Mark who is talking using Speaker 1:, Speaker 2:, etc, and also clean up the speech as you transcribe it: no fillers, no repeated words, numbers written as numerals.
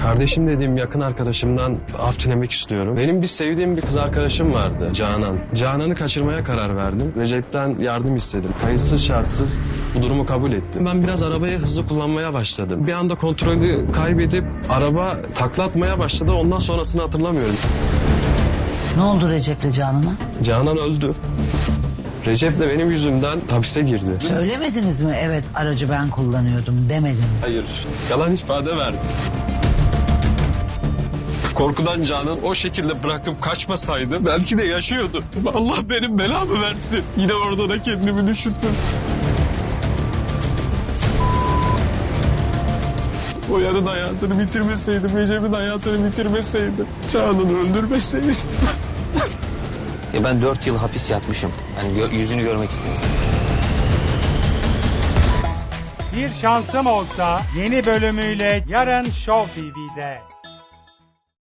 Speaker 1: Kardeşim dediğim yakın arkadaşımdan af dilemek istiyorum. Benim bir sevdiğim bir kız arkadaşım vardı, Canan. Canan'ı kaçırmaya karar verdim. Recep'ten yardım istedim. Kayıtsız şartsız bu durumu kabul ettim. Ben biraz arabayı hızlı kullanmaya başladım. Bir anda kontrolü kaybedip araba taklatmaya başladı. Ondan sonrasını hatırlamıyorum.
Speaker 2: Ne oldu Recep'le Canan'a?
Speaker 1: Canan öldü. Recep de benim yüzümden hapise girdi.
Speaker 2: Söylemediniz mi evet aracı ben kullanıyordum demedin?
Speaker 1: Hayır. Yalan ifade verdim. Korkudan Canan o şekilde bırakıp kaçmasaydı belki de yaşıyordu. Allah benim belamı versin. Yine orada da kendimi düşündüm. O yarın hayatını bitirmeseydim, Recep'in hayatını bitirmeseydim, Canan'ı öldürmeseydim.
Speaker 3: Ya ben 4 yıl hapis yatmışım. Yani yüzünü görmek istemiyorum.
Speaker 4: Bir şansım olsa yeni bölümüyle yarın Show TV'de.